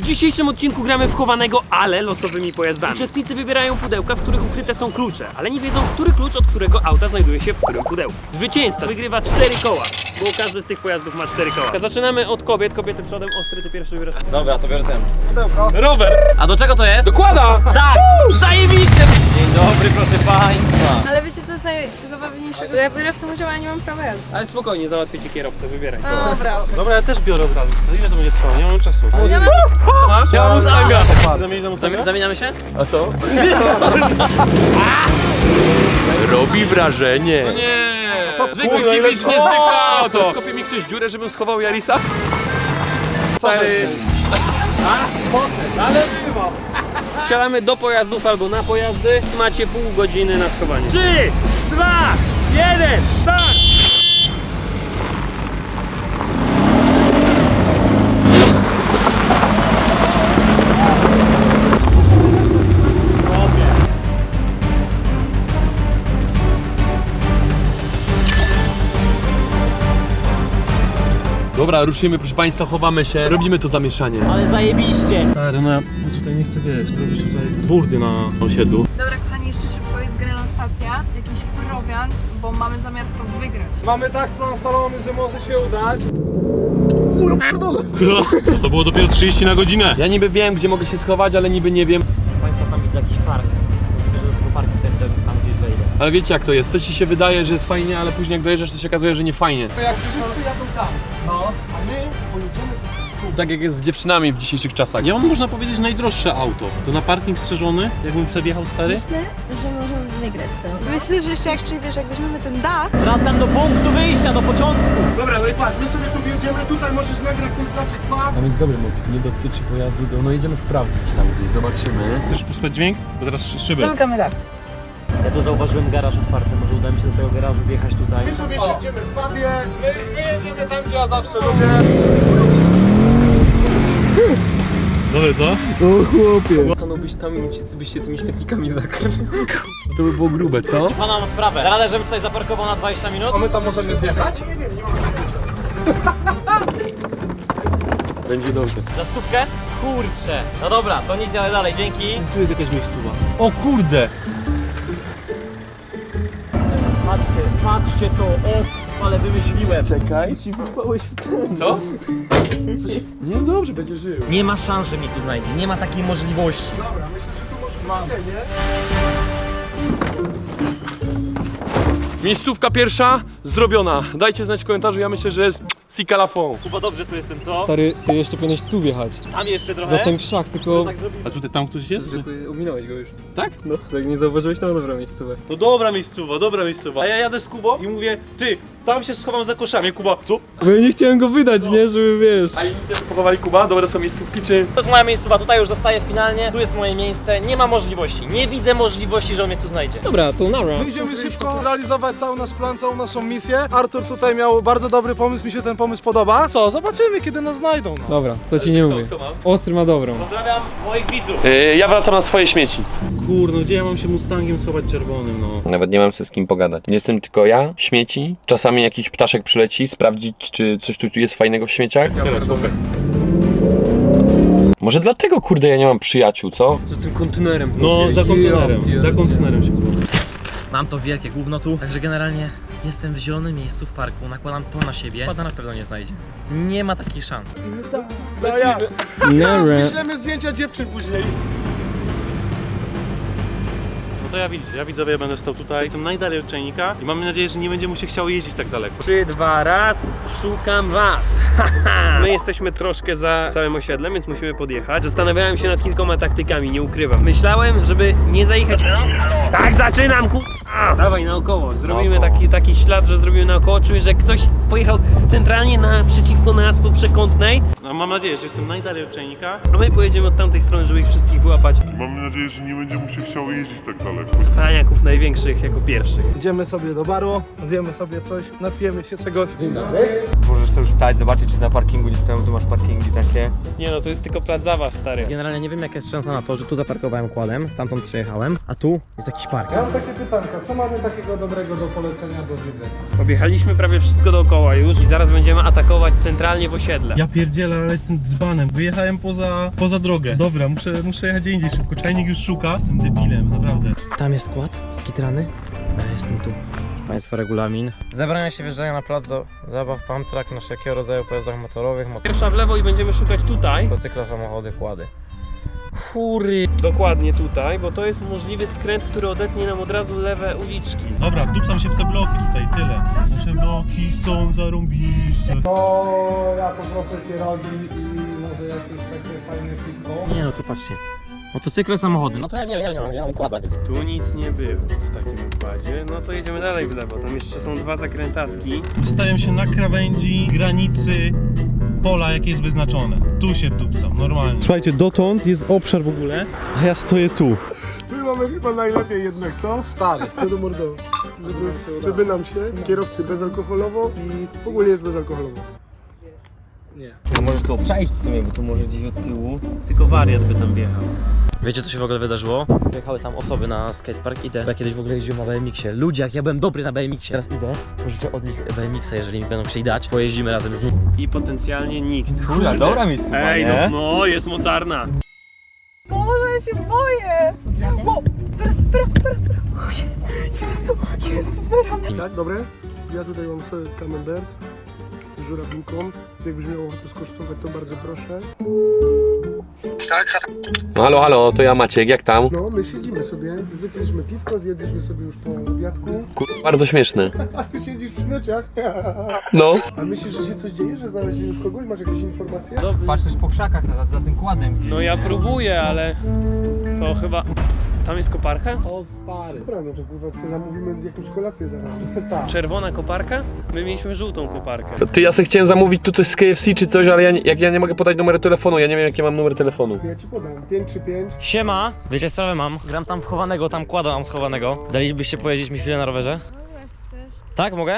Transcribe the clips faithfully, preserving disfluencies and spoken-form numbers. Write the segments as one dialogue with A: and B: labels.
A: W dzisiejszym odcinku gramy w chowanego, ale losowymi pojazdami. Uczestnicy wybierają pudełka, w których ukryte są klucze, ale nie wiedzą, który klucz od którego auta znajduje się w którym pudełku. Zwycięzca wygrywa cztery koła, bo każdy z tych pojazdów ma cztery koła. Zaczynamy od kobiet, kobiety przodem, Ostry, ty pierwszy wybierasz.
B: Dobra, to biorę ten.
C: Pudełko.
A: Rower!
B: A do czego to jest?
A: Dokłada! Tak! Zajebiście!
B: Dzień dobry, proszę państwa.
D: Ale wiecie co jest najzabawniejszego? Ja biorę w tym udział, a nie mam prawa jazdy.
A: Ale spokojnie, załatwię ci kierowcę, wybieraj.
D: Dobra.
C: Dobra, ja też biorę od razu. Ile to będzie trwało? Nie mam czasu.
D: Ja mam...
A: Co masz?
C: Ja mam Mustanga. Zamienić na Mustanga?
B: Zamieniamy się?
C: A co?
E: Robi wrażenie.
A: No nie!
C: Co?
A: Zwykły
C: Kurde,
A: kibic,
C: ile-
A: niezwykłe
C: O!
A: auto! Kopie mi ktoś dziurę, żebym schował Yarisa? Stary...
C: Ale wyrwał.
A: Wsiadamy do pojazdów albo na pojazdy. Macie pół godziny na schowanie. trzy, dwa, jeden, start!
E: Dobra, ruszymy, proszę państwa, chowamy się, robimy to zamieszanie.
B: Ale zajebiście.
C: Stary, no ja tutaj nie chcę, wiesz, robić tutaj burdy na osiedlu.
D: Dobra kochani, jeszcze szybko jest grana stacja, jakiś prowiant, bo mamy zamiar to wygrać.
C: Mamy tak plan salony, że może się udać.
E: To było dopiero trzydzieści na godzinę. Ja niby wiem, gdzie mogę się schować, ale niby nie wiem.
B: Państwa, tam widzę jakiś park. Mówię, że do tego parku ten, ten, tam gdzieś wejdę.
E: Ale wiecie jak to jest, to ci się wydaje, że jest fajnie, ale później jak dojeżdżasz, to się okazuje, że nie fajnie.
C: To jak wszyscy jadą tam, no, a my pojedziemy tu.
E: Tak jak jest z dziewczynami w dzisiejszych czasach.
C: Ja mam, można powiedzieć, najdroższe auto. To na parking strzeżony, jakbym sobie wjechał stary.
F: Myślę, że możemy wygrać z tym.
D: Myślę, że jeszcze jak czyli wiesz, jak weźmiemy ten dach,
B: Wracam do punktu wyjścia, do początku.
C: Dobra, no i patrz, my sobie tu wjedziemy, tutaj możesz nagrać ten znaczek dwa.
E: Tam jest dobry motyw, nie dotyczy pojazdu, do... no idziemy sprawdzić tam gdzieś, zobaczymy.
C: Chcesz posłuchać dźwięk? Bo teraz szy- szyby.
D: zamykamy dach.
B: Ja tu zauważyłem garaż otwarty, może uda mi się do tego garażu wjechać tutaj.
C: My sobie siedzimy w pubie, my, my jedziemy tam, gdzie ja zawsze lubię. Dobre, co?
A: Stanąłbyś tam i wszyscy byście tymi śmietnikami zakryli. To by było grube, co?
B: Pana mam sprawę. Radę, żebym tutaj zaparkował na dwadzieścia minut?
C: A my tam możemy zjechać? Nie wiem, nie mam
E: Będzie dobrze.
B: Za stówkę? Kurczę. No dobra, to nic, ale dalej, dzięki.
C: Tu jest jakaś miejscowa. O kurde!
B: Patrzcie, patrzcie to, o, ale wymyśliłem.
E: Czekaj, ci wypałeś w ten.
A: Co?
E: Nie, dobrze, będzie żył.
B: Nie ma szans, że mnie tu znajdzie, nie ma takiej możliwości.
C: Dobra, myślę, że tu może być nie?
E: Miejscówka pierwsza zrobiona. Dajcie znać w komentarzu, ja myślę, że jest sika la fond.
B: Chyba dobrze tu jestem, co?
E: Stary, ty jeszcze powinieneś tu wjechać.
B: Tam jeszcze trochę.
E: krzak, tylko...
B: Tak zrobimy.
C: A tutaj tam ktoś jest?
A: Ominąłeś go już.
C: Tak?
A: No, tak nie zauważyłeś, to dobra miejscówę.
C: No dobra miejscowa, dobra miejscowa. A ja jadę z Kubą i mówię, ty, tam się schowam za koszami. Kuba, co?
E: Bo ja nie chciałem go wydać, nie? Żeby wiesz. A inni też pochowali Kuba? Dobre są miejscówki, czy...
B: To jest moja miejscowa, tutaj już zostaję finalnie, tu jest moje miejsce, nie ma możliwości, nie widzę możliwości, że on mnie tu znajdzie.
A: Dobra, to nara.
C: My idziemy szybko realizować cały nasz plan, całą naszą misję. Artur tutaj miał bardzo dobry pomysł, mi się ten pomysł podoba. Co, zobaczymy kiedy nas znajdą. No.
E: Dobra, to ci nie mówię. Ostry ma dobrą.
C: Pozdrawiam moich widzów.
E: Yy, ja wracam na swoje śmieci.
C: Kurno, gdzie ja mam się Mustangiem schować czerwonym, no.
E: Nawet nie mam z kim pogadać. Jestem tylko ja, śmieci. Czasami jakiś ptaszek przyleci, sprawdzić, czy coś tu jest fajnego w śmieciach.
C: Teraz, chłopie.
E: Może dlatego, kurde, ja nie mam przyjaciół, co?
A: Za tym kontenerem.
C: No, za kontenerem,
A: Ja-
C: za kontenerem się kurwa.
B: Mam to wielkie gówno tu, także generalnie jestem w zielonym miejscu w parku, nakładam to na siebie, pada na pewno nie znajdzie. Nie ma takiej szansy.
E: Nara.
C: Wyślemy zdjęcia dziewczyn później. No to ja widzicie, ja widzowie będę stał tutaj. Jestem najdalej od czajnika i mam nadzieję, że nie będzie mu się chciało jeździć tak daleko.
A: trzy, dwa, raz, szukam was. My jesteśmy troszkę za całym osiedlem, więc musimy podjechać. Zastanawiałem się nad kilkoma taktykami, nie ukrywam. Myślałem, żeby nie zajechać... Tak, zaczynam, ku... A, dawaj naokoło, zrobimy taki, taki ślad, że zrobimy naokoło. Czuję, że ktoś pojechał centralnie naprzeciwko nas po przekątnej,
C: No, mam nadzieję, że jestem najdalej od czajnika.
A: a my pojedziemy od tamtej strony, żeby ich wszystkich wyłapać.
G: Mam nadzieję, że nie będzie mu się chciało jeździć tak daleko.
A: Cwaniaków największych jako pierwszych.
C: Idziemy sobie do baru, zjemy sobie coś, napijemy się czegoś. Dzień dobry.
H: Możesz sobie już stać, zobaczyć czy na parkingu nie stoją, tu masz parkingi takie.
A: Nie no, to jest tylko plac zabaw, stary.
B: Generalnie nie wiem jaka jest szansa na to, że tu zaparkowałem kładem, stamtąd przyjechałem, a tu jest jakiś park.
C: Ja mam takie pytanka, co mamy takiego dobrego do polecenia, do zwiedzenia?
A: Objechaliśmy prawie wszystko dookoła już i zaraz będziemy atakować centralnie w osiedle.
C: Ja pierdzielę, Boże, ale jestem dzbanem. Wyjechałem poza, poza drogę. Dobra, muszę, muszę jechać gdzie indziej szybko. Czajnik już szuka. Jestem debilem, naprawdę.
B: Tam jest skład skitrany, a ja jestem tu. Państwa regulamin. Zabrania się wjeżdżania na plac za- zabaw pump track na wszelkiego rodzaju pojazdach motorowych,
A: Pierwsza w lewo i będziemy szukać tutaj.
B: motocykla, samochody, kłady. Fury.
A: Dokładnie tutaj, bo to jest możliwy skręt, który odetnie nam od razu lewe uliczki.
C: Dobra, wdupcam się w te bloki tutaj, tyle. Nasze bloki są zarąbiste. To ja poproszę pierogi i może jakieś takie fajne piwko.
B: Nie no, tu patrzcie. Motocykle, samochody. No to ja nie wiem, ja mam kłada, więc...
A: Tu nic nie było w takim układzie. No to jedziemy dalej w lewo. Tam jeszcze są dwa zakrętaski.
C: Ustawiam się na krawędzi granicy pola, jakie jest wyznaczone. Tu się wdupcam, normalnie. Słuchajcie, dotąd jest obszar w ogóle, a ja stoję tu.
I: My mamy chyba najlepiej jednak, co? Stary. To do mordowy. Żeby, żeby nam się, kierowcy bezalkoholowo i ogólnie jest bezalkoholowo.
H: No możesz tu przejść w sumie, bo tu może gdzieś od tyłu.
A: Tylko wariat by tam wjechał.
B: Wiecie co się w ogóle wydarzyło? Jechały tam osoby na skatepark, idę. Ja kiedyś w ogóle jeździłem na B M X-ie. Ludzie, jak ja byłem dobry na B M X-ie. Teraz idę, pożyczę od nich B M X-a, jeżeli mi będą chcieli dać. Pojeździmy razem z nimi.
A: I potencjalnie nikt.
H: Kurde, dobra miejscówka,
A: Ej,
H: nie?
A: no, no, jest mocarna.
D: Boże, ja się boję! Wow, Wera, Wera, Wera, Wera. O Jezu, Jezu, Jezu, Wera.
I: Tak, dobre? Ja tutaj mam sobie camembert z żurawinką. Jakbyś miał ochotę skosztować, to bardzo proszę.
E: Halo, halo, to ja Maciek, jak tam?
I: No, my siedzimy sobie, wypiliśmy piwko, zjedliśmy sobie już po obiadku.
E: Kur... bardzo śmieszne.
I: A ty siedzisz w śmieciach.
E: No.
I: A myślisz, że się coś dzieje, że znaleźli już kogoś? Masz jakieś informacje?
H: Patrz też po krzakach za, za tym kładem gdzieś.
A: No ja próbuję, ale to chyba... Tam jest koparka?
C: O stary.
I: Dobra, no to kurwa, sobie zamówimy jakąś kolację zaraz. Tak.
A: Czerwona koparka? My mieliśmy żółtą koparkę.
E: Ty, ja sobie chciałem zamówić tu coś z K F C czy coś, ale ja nie, jak ja nie mogę podać numeru telefonu, ja nie wiem jaki mam numer telefonu.
I: Ja ci podam. pięć trzy pięć.
B: Siema! Wiecie, sprawę mam. Gram tam chowanego, tam kłada mam schowanego. Dalibyście pojeździć mi chwilę na rowerze? Tak, mogę?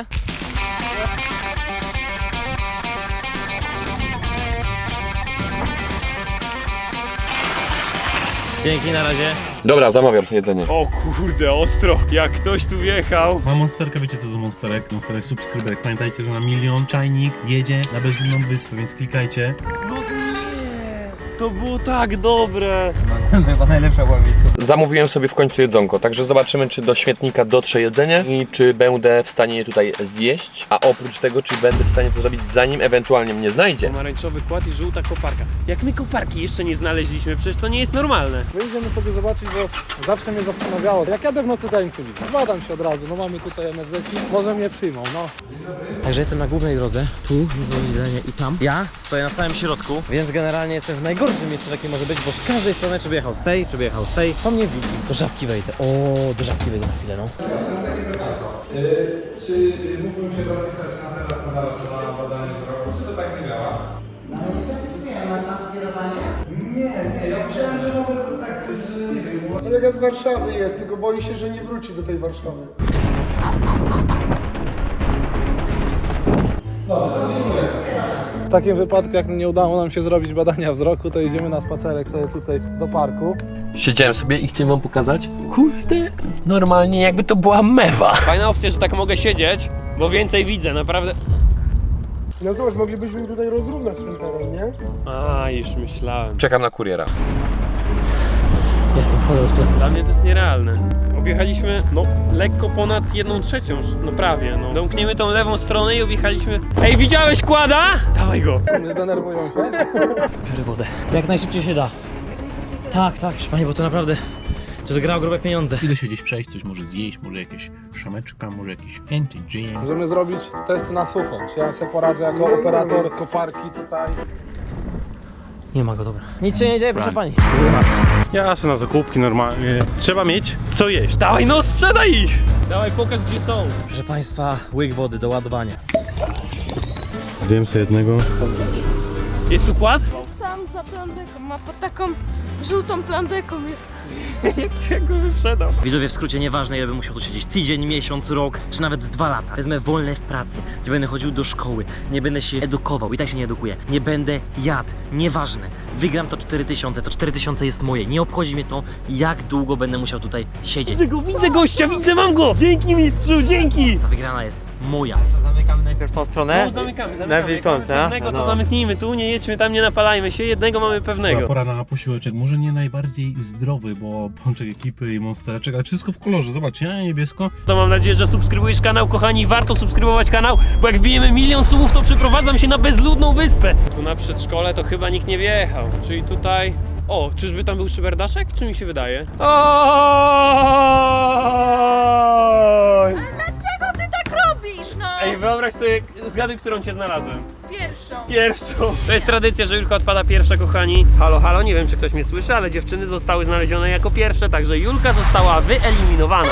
B: Dzięki, na razie.
E: Dobra, zamawiam sobie jedzenie.
A: O kurde, ostro. Jak ktoś tu wjechał.
C: Mam monsterkę, wiecie co to monsterek? Monsterek subskryberek. Pamiętajcie, że na milion czajnik jedzie na bezludną wyspę, więc klikajcie.
A: No nie. To było tak dobre.
H: No, chyba najlepsza była miejscówka.
E: Zamówiłem sobie w końcu jedzonko, także zobaczymy czy do śmietnika dotrze jedzenie i czy będę w stanie je tutaj zjeść, a oprócz tego czy będę w stanie to zrobić zanim ewentualnie mnie znajdzie.
A: Pomarańczowy kład i żółta koparka. Jak my koparki jeszcze nie znaleźliśmy, przecież to nie jest normalne.
C: My idziemy sobie zobaczyć, bo zawsze mnie zastanawiało, jak jadę w nocy tańcy widzę. Zbadam się od razu, no mamy tutaj N F Z-ci, może mnie przyjmą, no.
B: Także jestem na głównej drodze, tu jest rozdzielenie i tam. Ja stoję na samym środku, więc generalnie jestem w najgorszym miejscu, jakie może być, bo z każdej strony czy by jechał z tej, czy by jechał z tej, to mnie widzi. Do żabki wejdę. O, do żabki wejdę na chwilę, no.
C: Czy mógłbym się zapisać na teraz, na zaraz na badanie wzroku? Czy to tak nie działa?
J: No nie zapisujemy na skierowanie.
C: Nie, nie, ja myślałem, że mogę tak, że nie wiem.
I: Kolega z Warszawy jest, tylko boi się, że nie wróci do tej Warszawy.
C: W takim wypadku, jak nie udało nam się zrobić badania wzroku, to idziemy na spacerek sobie tutaj do parku.
E: Siedziałem sobie i chciałem wam pokazać. Kurde, normalnie jakby to była mewa.
A: Fajna opcja, że tak mogę siedzieć, bo więcej widzę, naprawdę.
I: No zobacz, moglibyśmy tutaj rozrównać ten teren, nie?
A: A, już myślałem.
E: Czekam na kuriera.
B: Jestem wchodzę do sklepu.
A: Dla mnie to jest nierealne. Objechaliśmy, no, lekko ponad jedną trzecią, no prawie, no. Domkniemy tą lewą stronę i objechaliśmy... Ej, widziałeś kłada? Dawaj go.
C: Nie zdenerwują się.
B: Biorę wodę. Jak najszybciej się da. Tak, tak, proszę pani, bo to naprawdę... To zagrało grube pieniądze.
C: Idę się gdzieś przejść, coś może zjeść, może jakieś szameczka, może jakiś anti-jam.
K: Możemy zrobić test na sucho. Czy ja sobie poradzę jako operator koparki tutaj.
B: Nie ma go, dobra. Nic się nie dzieje, proszę pani.
C: Ja sobie na zakupki normalnie. Trzeba mieć co jeść.
A: Dawaj, no, sprzedaj ich. Dawaj, pokaż gdzie są.
B: Proszę państwa, łyk wody do ładowania.
C: Zjem sobie jednego.
A: Jest tu kład?
D: Tam za plandeką, ma pod taką żółtą plandeką jest.
A: jak, jak go wyprzedał.
B: Widzowie, w skrócie, nieważne ile bym musiał tu siedzieć, tydzień, miesiąc, rok, czy nawet dwa lata. Wezmę wolne w pracy, gdzie będę chodził do szkoły, nie będę się edukował, i tak się nie edukuję, nie będę jadł, nieważne. Wygram to cztery tysiące, to cztery tysiące jest moje, nie obchodzi mnie to, jak długo będę musiał tutaj siedzieć.
A: Widzę go, widzę gościa, widzę, mam go. Dzięki mistrzu, dzięki.
B: Ta wygrana jest moja.
H: To zamykaj zamykamy najpierw tą stronę.
A: Tu zamykamy, zamykamy.
H: Najpierw
A: Jak mamy
H: kąt, no?
A: pewnego, to
H: No.
A: zamknijmy tu, nie jedźmy tam, nie napalajmy się, jednego mamy pewnego.
C: Pora na posiłeczek, może nie najbardziej zdrowy, bo pączek ekipy i monstereczek, ale wszystko w kolorze, zobaczcie, ja niebiesko.
A: To mam nadzieję, że subskrybujesz kanał, kochani, warto subskrybować kanał, bo jak wbijemy milion subów, to przeprowadzam się na bezludną wyspę. Tu na przedszkole to chyba nikt nie wjechał, czyli tutaj... O, czyżby tam był szyberdaszek, czy mi się wydaje? Oj!
D: Dlaczego ty tak robisz, no?
A: Ej, wyobraź sobie, zgaduj, którą cię znalazłem.
D: Pierwszą.
A: Pierwszą. To jest tradycja, że Julka odpada pierwsza, kochani. Halo, halo, nie wiem, czy ktoś mnie słyszy, ale dziewczyny zostały znalezione jako pierwsze, także Julka została wyeliminowana.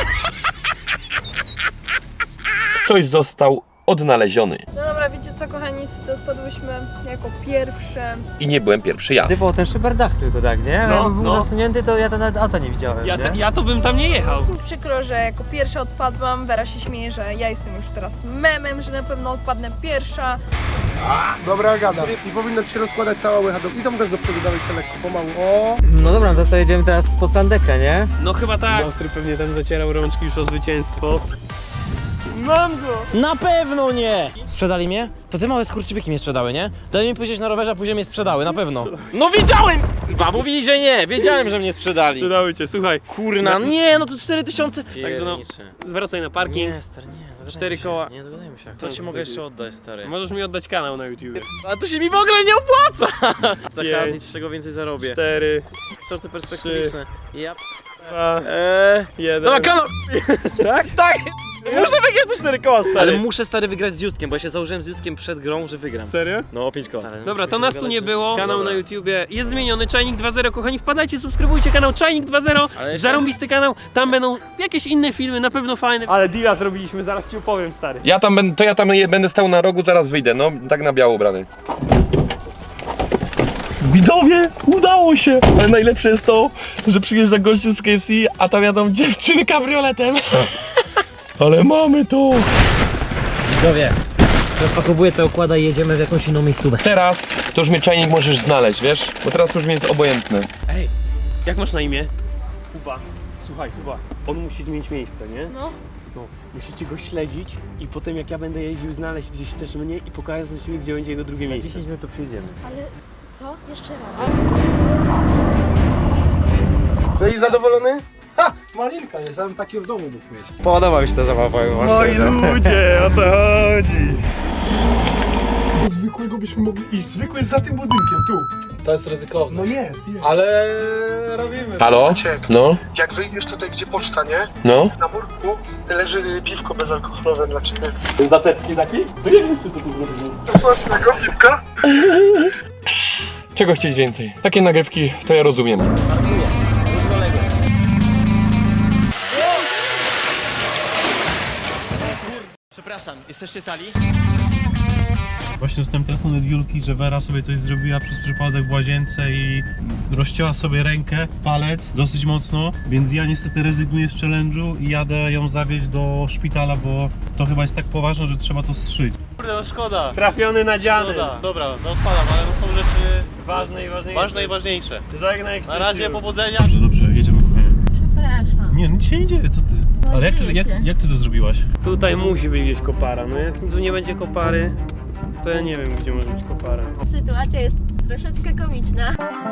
E: Ktoś został odnaleziony.
D: No dobra, wiecie co, kochani, niestety odpadłyśmy jako pierwsze.
E: I nie byłem pierwszy ja.
H: Ty było ten szyberdach tylko, tak, nie?
A: No,
H: Jakby był
A: no.
H: zasunięty, to ja to nawet auta nie widziałem,
A: Ja,
H: nie?
A: ja to bym tam nie jechał.
D: Jest mi przykro, że jako pierwsza odpadłam. Wera się śmieje, że ja jestem już teraz memem, że na pewno odpadnę pierwsza.
I: Dobra, gadam. I powinno ci się rozkładać cała łycha. do- I tam też do przodu dalej się lekko, pomału. O!
H: No dobra, no to co, jedziemy teraz pod plandekę, nie?
A: No chyba tak. Ostry pewnie tam zacierał rączki już o zwycięstwo. Mam go!
B: Na pewno nie! Sprzedali mnie? To te małe skurczybyki mnie sprzedały, nie? Dali mi pójść na rowerze, a później mnie sprzedały, na pewno. No wiedziałem! Chyba mówili, że nie, wiedziałem, że mnie sprzedali.
A: Sprzedały cię, słuchaj.
B: Kurna, nie, no to cztery tysiące.
A: Także no, zwracaj na parking.
B: Nie, stary, nie. dogadajmy
A: Cztery
B: się,
A: koła.
B: Nie, dogadajmy się.
A: Co
B: Co ci mogę jeszcze oddać, stary?
A: Możesz mi oddać kanał na YouTube.
B: A to się mi w ogóle nie opłaca! Za
A: Pięć.
B: każdy, z czego więcej zarobię.
A: Cztery,
B: Sorty perspektywiczne. Ja
A: dwa,
B: eee,
A: jeden.
B: Dobra, kanał!
A: Tak?
B: Tak! Muszę wygrać te cztery koła, stary! Ale muszę, stary, wygrać z Justkiem, bo ja się założyłem z Justkiem przed grą, że wygram.
A: Serio?
B: No, pięć koła.
A: Dobra, to nas tu nie było. Kanał na YouTubie jest zmieniony, Czajnik dwa zero. Kochani, wpadajcie, subskrybujcie kanał Czajnik dwa zero.
B: Ale jeszcze-
A: Zarąbisty kanał, tam będą jakieś inne filmy, na pewno fajne. Ale deala zrobiliśmy, zaraz ci opowiem, stary.
E: Ja tam będę, to ja tam je- będę stał na rogu, zaraz wyjdę, no tak na biało ubrany. Widzowie, udało się! Ale najlepsze jest to, że przyjeżdża gościu z K F C, a tam jadą dziewczyny kabrioletem. Ale mamy to!
B: Widzowie, rozpakowuję te okłada i jedziemy w jakąś inną miejscówę.
E: Teraz to już mnie Czajnik możesz znaleźć, wiesz? Bo teraz to już mi jest obojętne.
A: Ej, jak masz na imię? Kuba. Słuchaj, Kuba, on musi zmienić miejsce, nie?
D: No.
A: No, musicie go śledzić i potem jak ja będę jeździł, znaleźć gdzieś też mnie i pokazać mi, gdzie będzie jego drugie miejsce.
H: dziesięć minut tu przyjedziemy.
D: Ale co? Jeszcze raz.
I: No i zadowolony? Ha! Malinka jest, ja bym takie w domu mógł mieć.
H: Podoba mi się ta zabawa,
A: Moi ludzie, o to chodzi.
I: Do zwykłego byśmy mogli iść. Zwykły jest za tym budynkiem, tu.
K: To jest ryzykowne.
I: No jest, jest.
K: Ale robimy.
E: Halo? No?
I: Jak wyjdziesz tutaj, gdzie poczta, nie?
E: No?
I: Na murku leży piwko bezalkoholowe dla ciebie.
A: Zatecki taki? To jak myślisz, co tu zrobimy?
I: Smacznego piwka?
E: Czego chcieć więcej? Takie nagrywki to ja rozumiem.
B: Przepraszam, jesteście sali?
C: Właśnie dostałem telefon od Julki, że Wera sobie coś zrobiła przez przypadek w łazience i rozcięła sobie rękę, palec dosyć mocno, więc ja niestety rezygnuję z challenge'u i jadę ją zawieźć do szpitala, bo to chyba jest tak poważne, że trzeba to zszyć.
B: Kurde, no szkoda.
A: Trafiony na dziany.
B: Szkoda. Dobra, no odpalam, ale to są rzeczy
A: Ważne i ważniejsze.
B: ważne i ważniejsze.
A: Żegnaj,
B: Na razie, powodzenia.
C: Dobrze, dobrze, jedziemy.
F: Przepraszam.
C: Nie, nic się nie dzieje, co ty? Ale jak ty, jak, jak ty to zrobiłaś?
A: Tutaj musi być gdzieś kopara, no jak tu nie będzie kopary, to ja nie wiem, gdzie może być kopara.
F: Sytuacja jest troszeczkę komiczna.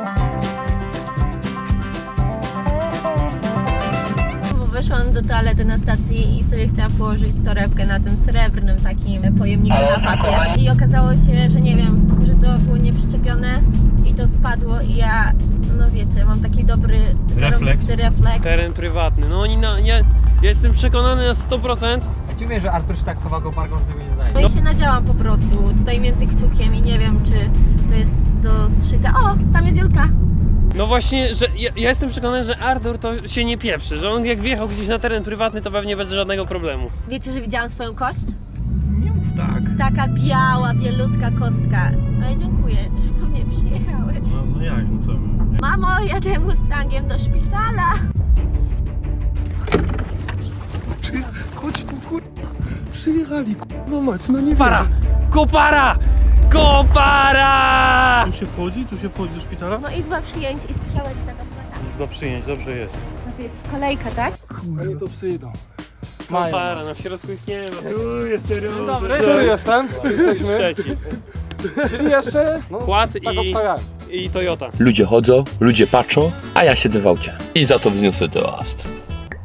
F: Bo weszłam do toalety na stacji i sobie chciałam położyć torebkę na tym srebrnym takim pojemniku na papier. I okazało się, że nie wiem, że to było nieprzyczepione i to spadło i ja, no wiecie, mam taki dobry, zarąbisty refleks.
A: Teren prywatny, no oni na... Ja, ja jestem przekonany na sto procent.
H: Ja ci mówię, że Artur się tak chowa go parką, że tego nie znajdzie.
F: No i się nadziałam po prostu, tutaj między kciukiem i nie wiem, czy to jest do zszycia. O, tam jest Julka!
A: No właśnie, że ja, ja jestem przekonany, że Artur to się nie pieprzy, że on jak wjechał gdzieś na teren prywatny, to pewnie bez żadnego problemu.
F: Wiecie, że widziałam swoją kość?
C: Nie mów tak.
F: Taka biała, bielutka kostka. Ale dziękuję, że po mnie przyjechałeś.
C: No, no jak, no co?
F: Mamo, jadę Mustangiem do szpitala.
I: Chodź tu, kur... Przyjechali, kur... No mać, no nie
A: Kopara! Kopara! Kopara!
C: Tu się wchodzi? Tu się wchodzi do szpitala?
F: No izba przyjęć i strzałeczka do plana.
C: Izba przyjęć, dobrze jest.
F: No to jest kolejka, tak?
I: Oni to przyjdą.
K: Mają.
A: Para, na w środku ich nie ma. Tu jest serio.
K: Dzień dobry, tu jestem, tu jesteśmy.
A: Trzeci.
K: Czyli jeszcze, no,
A: Kład
K: tak
A: i,
K: obstawiałem.
A: i Toyota.
E: Ludzie chodzą, ludzie patrzą, a ja siedzę w aucie. I za to wzniosę toast.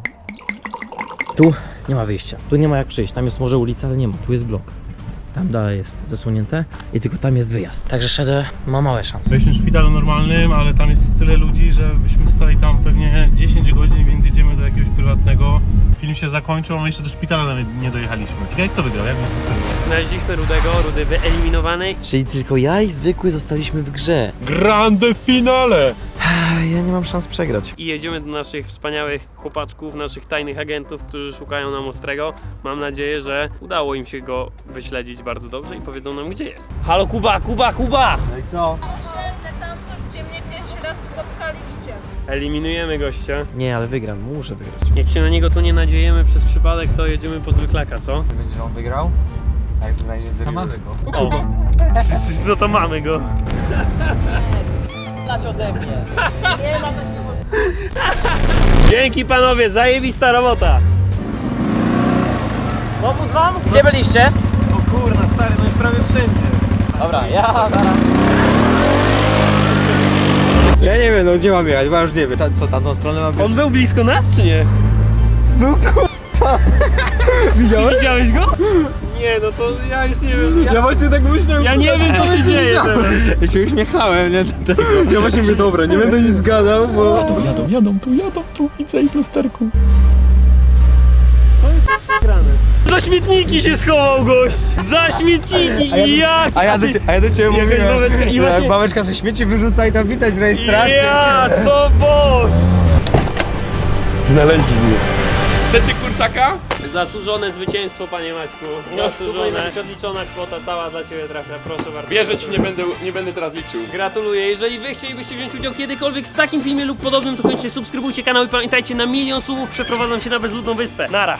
B: Tu nie ma wyjścia, tu nie ma jak przyjść, tam jest może ulica, ale nie ma, tu jest blok. Tam dalej jest zasłonięte i tylko tam jest wyjazd. Także Shadow ma małe szanse.
C: Byliśmy w szpitalu normalnym, ale tam jest tyle ludzi, że byśmy stali tam pewnie dziesięć godzin, więc jedziemy do jakiegoś prywatnego. Film się zakończył, a my jeszcze do szpitala nawet nie dojechaliśmy. Ciekawe, kto wygrał? Jak
A: Znaleźliśmy Rudego, Rudy wyeliminowany.
H: Czyli tylko ja i zwykły zostaliśmy w grze.
C: Grande finale!
H: Ja nie mam szans przegrać.
A: I jedziemy do naszych wspaniałych chłopaczków, naszych tajnych agentów, którzy szukają nam Ostrego. Mam nadzieję, że udało im się go wyśledzić bardzo dobrze i powiedzą nam, gdzie jest. Halo Kuba, Kuba, Kuba!
H: No i co?
D: Tam, gdzie mnie pierwszy raz spotkaliście.
A: Eliminujemy gościa.
H: Nie, ale wygram, muszę wygrać.
A: Jak się na niego tu nie nadziejemy przez przypadek, to jedziemy po zwyklaka, co?
H: Będzie on wygrał? A jak znajdzie to mamy go.
A: O! No to mamy go. Dzięki panowie, zajebista robota.
B: Pomóc wam? Gdzie byliście?
A: O kurna stary, no jest prawie wszędzie.
B: Dobra, ja zaraz.
H: Ja nie wiem, no gdzie mam jechać, bo już nie wiem. Ta, co, tamtą stronę mam
A: On był blisko nas czy nie? Był kurwa. Widziałeś? Widziałeś go? Nie, no to ja już nie wiem. Ja,
H: Ja właśnie tak myślałem.
A: ja nie wiem co się dzieje teraz.
H: Ja się uśmiechałem, nie? Dlatego. Ja właśnie mówię, dobra, nie będę nic gadał, bo...
A: Jadą, jadą tu, jadą tu, widzę ich lusterku. Za śmietniki się schował gość! Za śmietniki!
H: A ja do-
A: Jak?
H: A ja do, a ja do ciebie
A: Jakaś
H: mówiłem,
A: babeczka i
H: że
A: właśnie-
H: jak babeczka ze śmieci wyrzuca i tam widać rejestrację.
A: Ja, co boss!
E: Znaleźli mnie.
A: Chcecie kurczaka? Zasłużone zwycięstwo, panie Maćku. Zasłużone. Odliczona kwota cała za ciebie trafia, proszę bardzo.
E: Wierzę ci, nie będę, nie będę teraz liczył.
A: Gratuluję. Jeżeli wy chcielibyście wziąć udział kiedykolwiek w takim filmie lub podobnym, to koniecznie subskrybujcie kanał i pamiętajcie, na milion subów przeprowadzam się na bezludną wyspę. Nara.